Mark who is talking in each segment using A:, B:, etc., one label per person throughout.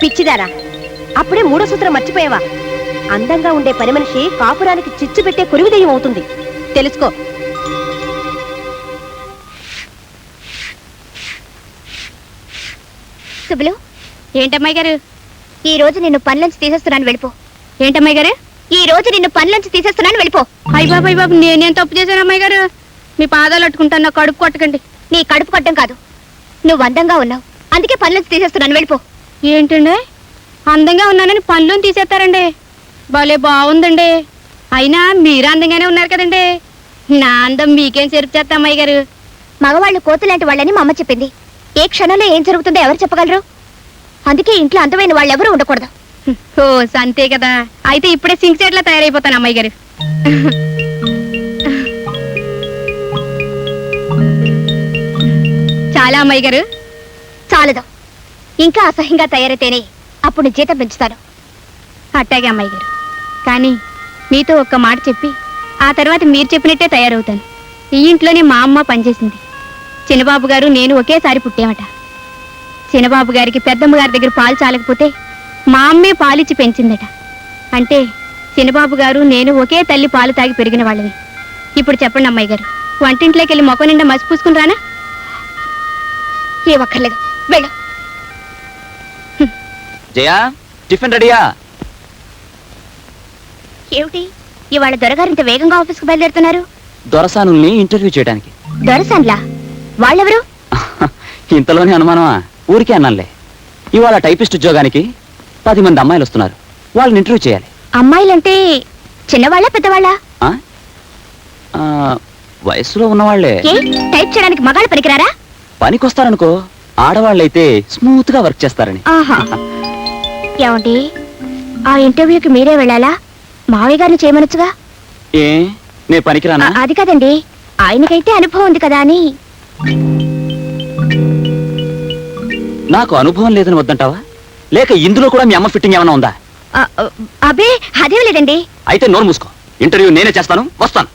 A: పిచ్చిదారా, అప్పుడే మూడో సూత్రం మర్చిపోయావా? అందంగా ఉండే పని మనిషి కాపురానికి చిచ్చు పెట్టే కురివిదయం అవుతుంది, తెలుసుకో.
B: సుబ్బులు, ఏంటమ్మాయి గారు? ఈ రోజు నిన్ను పనిలోంచి తీసేస్తున్నాను, వెళ్ళిపో. ఏంటమ్మాయి గారు? ఈ రోజు నిన్ను పనిలోంచి తీసేస్తున్నాను, వెళ్ళిపో. అయ్య బాబు, నేనేం తప్పు చేశాను అమ్మాయి గారు? మీ పాదాలు అట్టుకుంటాను, నా కడుపు కొట్టకండి. నీ కడుపు కొట్టం కాదు, నువ్వు అందంగా ఉన్నావు, అందుకే పనిలోంచి తీసేస్తున్నాను, వెళ్ళిపో. ఏంటండి, అందంగా ఉన్నానని పనిలోని తీసేస్తారండి? భలే బాగుందండి. అయినా మీరు అందంగానే ఉన్నారు కదండి. నా అందం మీకేం చెరుపు చేస్తా అమ్మాయి గారు? మగవాళ్ళు కోతులాంటి వాళ్ళని మా అమ్మ చెప్పింది. ఏ క్షణంలో ఏం జరుగుతుందో ఎవరు చెప్పగలరు? అందుకే ఇంట్లో అందమైన వాళ్ళు ఎవరు ఉండకూడదు. ఓ అంతే కదా, అయితే ఇప్పుడే సింక్ సెట్ లా తయారైపోతాను అమ్మాయి గారు. చాలా అమ్మాయి గారు, చాలదు. ఇంకా అసహ్యంగా తయారైతేనే అప్పుడు జీతం పెంచుతాను. అట్టాగే అమ్మాయి గారు, కానీ మీతో ఒక్క మాట చెప్పి ఆ తర్వాత మీరు చెప్పినట్టే తయారవుతాను. ఈ ఇంట్లోనే మా అమ్మ పనిచేసింది. చిన్నబాబు గారు నేను ఒకేసారి పుట్టామట. చిన్నబాబు గారికి పెద్దమ్మ గారి దగ్గర పాలు చాలకపోతే మా అమ్మే పాలిచ్చి పెంచిందట. అంటే చిన్నబాబు గారు నేను ఒకే తల్లి పాలు తాగి పెరిగిన వాళ్ళవి. ఇప్పుడు చెప్పండి అమ్మాయి గారు, వంటింట్లోకి వెళ్ళి మొక్క నిండా మసి పూసుకుని రానా? ఏ ఒక్కర్లేదు, వెళ్ళు.
C: జయా, టిఫిన్ రెడీయా?
B: ఏమిటి ఇవాళ దొరగారు ఇంత వేగంగా ఆఫీస్కి బయలుదేరుతున్నారు?
C: దొరసానుల్ని ఇంటర్వ్యూ చేయడానికి.
B: దొరసాన్లా? వాళ్ళెవరు?
C: ఇంతలోనే అనుమానమా? ఊరికే అన్నానులే. ఇవాళ టైపిస్ట్ ఉద్యోగానికి 10 మంది అమ్మాయిలు వస్తున్నారు, వాళ్ళని ఇంటర్వ్యూ చేయాలి.
B: అమ్మాయిలంటే చిన్నవాళ్ళ పెద్దవాళ్ళ?
C: వయసులో ఉన్నవాళ్లే.
B: టైప్ చేయడానికి మగాళ్ళు పనికిరారా?
C: పనికొస్తారనుకో, ఆడవాళ్ళైతే స్మూత్ గా వర్క్ చేస్తారని.
B: ఏమండి, ఆ ఇంటర్వ్యూకి మీరే వెళ్ళాలా? మావయ్య గారిని చేయమనొచ్చుగా.
C: ఏ నే పనికిరానా?
B: అది కదండి, ఆయనకైతే అనుభవం ఉంది కదా అని.
C: నాకు అనుభవం లేదని వద్దంటావా, లేక ఇందులో కూడా మీ అమ్మ ఫిట్టింగ్ ఏమైనా ఉందా?
B: అబే అదేం లేదండి.
C: అయితే నోరు మూసుకో, ఇంటర్వ్యూ నేనే చేస్తాను, వస్తాను.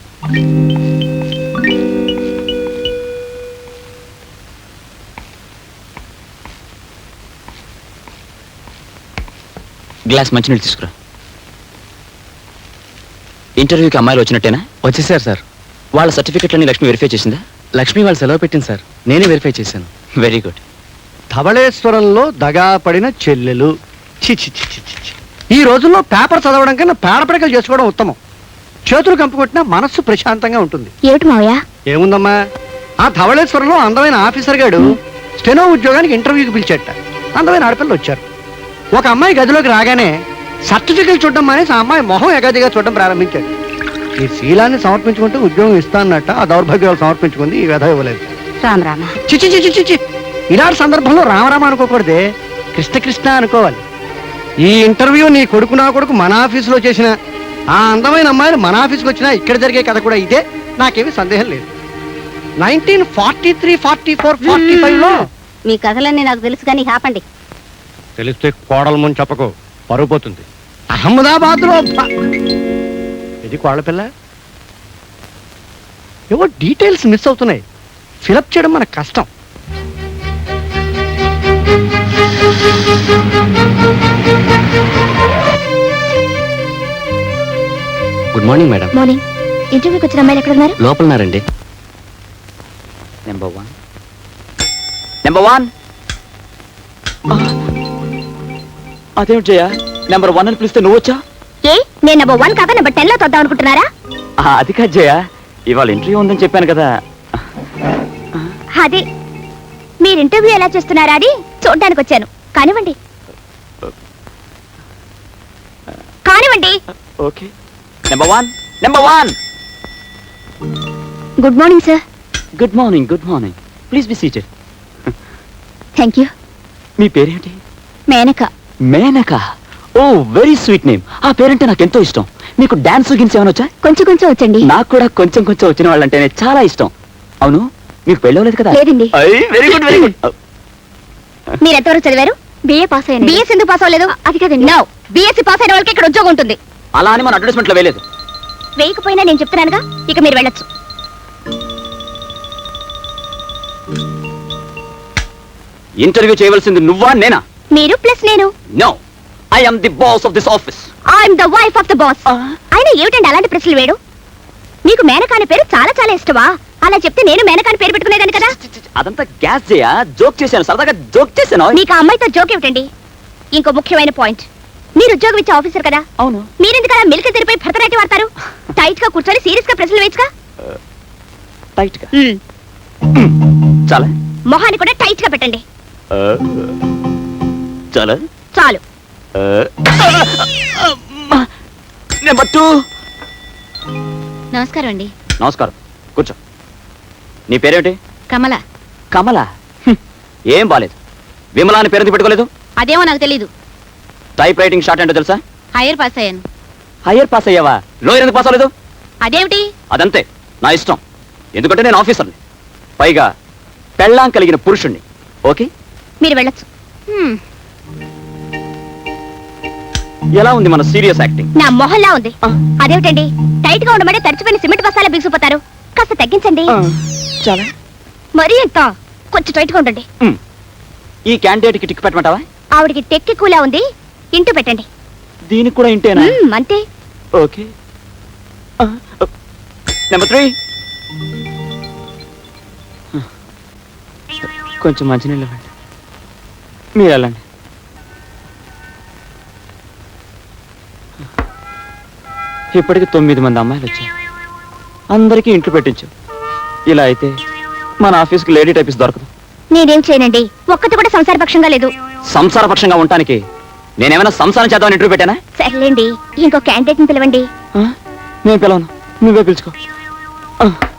C: గ్లాస్ మంచినీళ్ళు తీసుకురా. ఇంటర్వ్యూకి అమ్మాయిలు వచ్చినట్టేనా?
D: వచ్చేసారు సార్.
C: వాళ్ళ సర్టిఫికెట్లన్నీ లక్ష్మి వెరిఫై చేసిందా?
D: లక్ష్మి వాళ్ళు సెలవు పెట్టింది సార్, నేనే వెరిఫై చేశాను.
C: Very good.
E: ధవళేశ్వరంలో దగా పడిన చెల్లెలు. ఈ రోజుల్లో పేపర్ చదవడం కన్నా పేడపడకలు చేసుకోవడం ఉత్తమం. చేతులు కంపుకొట్టినా మనస్సు ప్రశాంతంగా ఉంటుంది.
B: ఏమిటి మావయ్య?
E: ఏముందమ్మా, ఆ ధవళేశ్వరంలో అందమైన ఆఫీసర్ గాడు స్టెనో ఉద్యోగానికి ఇంటర్వ్యూకి పిలిచేట. అందమైన ఆడపిల్లలు వచ్చారు. ఒక అమ్మాయి గదిలోకి రాగానే సర్టిఫికెట్ చూడడం మానేసి ఆ అమ్మాయి మొహం ఎగాదిగా చూడడం ప్రారంభించాడు. ఈ శీలాన్ని సమర్పించుకుంటే ఉద్యోగం ఇస్తానన్నట్ట ఆ దౌర్భాగ్యాలు సమర్పించుకుంది, ఈ వ్యధ ఇవ్వలేదు. చిచి చిచి చిచి ఇలాంటి సందర్భంలో రామరామ అనుకోకూడదే, కృష్ణ కృష్ణ అనుకోవాలి. ఈ ఇంటర్వ్యూ నీ కొడుకు నా కొడుకు మన ఆఫీసులో చేసిన ఆ అందమైన అమ్మాయిలు మన ఆఫీస్కి వచ్చినా ఇక్కడ జరిగే కథ కూడా ఇదే, నాకేమీ సందేహం లేదు. 1943, 44, 45లో
A: మీ కథలన్నీ నాకు తెలుసు కానీ ఆపండి.
E: తెలిస్తే కోడల ముందు చెప్పకు, పరుగు పోతుంది. అహ్మదాబాద్ లో ఇది కోడల పిల్ల. ఏవో డీటెయిల్స్ మిస్ అవుతున్నాయి, ఫిలప్ చేయడం మనకు కష్టం.
C: Good morning madam.
B: మార్నింగ్. ఇంటర్వ్యూకి వచ్చిన అమ్మాయిలు ఎక్కడ ఉన్నారు?
C: లోపలన్నారండి. నెంబర్ 1. అదేమిటి జయ, నెంబర్ 1 అని పిలిస్తే నువ్వు వచ్చా?
B: ఏ నేను నెంబర్ 1 కాక నెంబర్ 10 లో తొద్దాం అనుకుంటున్నారా?
C: అది కాదు జయ, ఇవాళ ఇంటర్వ్యూ ఉందని చెప్పాను కదా.
B: అదే మీరు ఇంటర్వ్యూ ఎలా చేస్తున్నారా అని చూడడానికి వచ్చాను. కానివ్వండి కానివ్వండి.
C: Okay. Number 1.
B: Good morning sir.
C: Good morning. Please be seated.
B: Thank you.
C: మీ పేరేంటి?
B: Menaka.
C: Oh very sweet name. ఆ పేరంటే నాకు ఎంతో ఇష్టం. మీకు డాన్స్ గిన్స్ ఏమైనా వచ్చా?
B: కొంచెం వచ్చండి.
C: నాకు కూడా కొంచెం వచ్చిన వాళ్ళంటేనే చాలా ఇష్టం. అవును, మీకు పెళ్ళవలేదు కదా?
B: లేదండి.
C: Very good.
B: మీరు ఎంతవరకు చదివారు? బిఏ పాస్ అయ్యాను. బిఎస్ ఎందుకు పాస్ అవ్వలేదు? అది కదండి. నో, బిఎస్సీ పాస్ అయిన వాళ్ళకి ఇక్కడ ఉద్యోగం ఉంటుంది.
C: అలా అని మన అడ్వర్టైజ్మెంట్ లో వేయలేదు.
B: వేయకపోయినా నేను చెప్తున్నానుగా, ఇక మీరు వెళ్ళొచ్చు.
C: ఇంటర్వ్యూ చేయవలసింది నువ్వా నేనా?
B: మీరు ప్లస్ నేను.
C: No, I am the boss of this office.
B: I'm the wife of the boss. అయినా ఏమిటండి అలాంటి ప్రశ్నలు వేడు? మీకు మేనకాని పేరు చాలా చాలా ఇష్టమా? అలా చెప్తే నేను మేనకాని పేరు పెట్టుకునేదాన్ని కదా.
C: అదంతా గ్యాస్ చేయా, జోక్ చేశాను, సరదాగా జోక్ చేశాను.
B: మీకు ఆ అమ్మాయితో జోక్ ఏమిటండి? ఇంకో ముఖ్యమైన పాయింట్, మీరు ఉద్యోగం ఇచ్చే ఆఫీసర్ కదా,
C: అవును.
B: మీరెందుకు అలా మిల్క్ తెరిపై భరతనాట్యం వాడతారు? టైట్ గా కూర్చొని సీరియస్ గా ప్రశ్నలు వేయచ్చుగా.
C: టైట్ గా చాలా,
B: మొహాన్ని కూడా టైట్ గా పెట్టండి.
C: చాలా
B: చాలు.
C: నెంబర్ 2.
B: నమస్కారం అండి.
C: నమస్కారం, కూర్చో. నీ పేరేమిటి?
B: కమల.
C: కమల? ఏం బాలేదు. విమలా అని పేరు పెట్టుకోలేదు?
B: అదేమో నాకు తెలీదు.
C: టైప్ రైటింగ్ షార్ట్ ఏంటో తెలుసా?
B: హైయర్ పాస్ అయ్యాను.
C: హయ్యర్ పాస్ అయ్యావా? లోయర్ ఎందుకు పాస్ అవ్వలేదు?
B: అదేమిటి?
C: అదంతే, నా ఇష్టం. ఎందుకంటే నేను ఆఫీసర్ని, పైగా పెళ్ళాం కలిగిన పురుషుణ్ణి. ఓకే,
B: మీరు వెళ్ళొచ్చు.
C: ఎలా ఉంది మన సీరియస్ యాక్టింగ్?
B: నా మొహల్లా ఉంది. అదేమిటండి, టైట్ గా ఉండమంటే తడిచిపోయిన సిమెంట్ బస్తాలా బిగుసిపోతారు. కాస్త తగ్గించండి.
C: చాలా.
B: మరీ ఎంత? కొంచెం టైట్ గా ఉండండి.
C: ఈ క్యాండిడేట్ కి టిక్ పెట్టమంటావా?
B: ఆవిడికి టెక్కి కూలా ఉంది, ఇంటూ పెట్టండి.
C: దీనికి కూడా ఇంటేనా?
B: అంతే.
C: ఓకే. నెంబర్ 3. కొంచెం మంచినీళ్ళు ఇవ్వండి. మీరు వెళ్ళండి. ఇప్పటికి 9 మంది అమ్మాయిలు వచ్చారు. అందరికీ ఇంట్లో పెట్టించు. ఇలా అయితే మన ఆఫీస్కి లేడీ టైపిస్ట్ దొరకదు.
B: నేనేం చేయనండి, ఒక్కటి కూడా సంసారపక్షంగా లేదు.
C: సంసారపక్షంగా ఉండటానికి నేనేమైనా సంసారం చేద్దామని ఇంటర్వ్యూ పెట్టానా?
B: సర్లేండి, ఇంకో క్యాండిడేట్ ని పిలవండి.
C: నేను పిలవను, నువ్వే పిలుచుకో.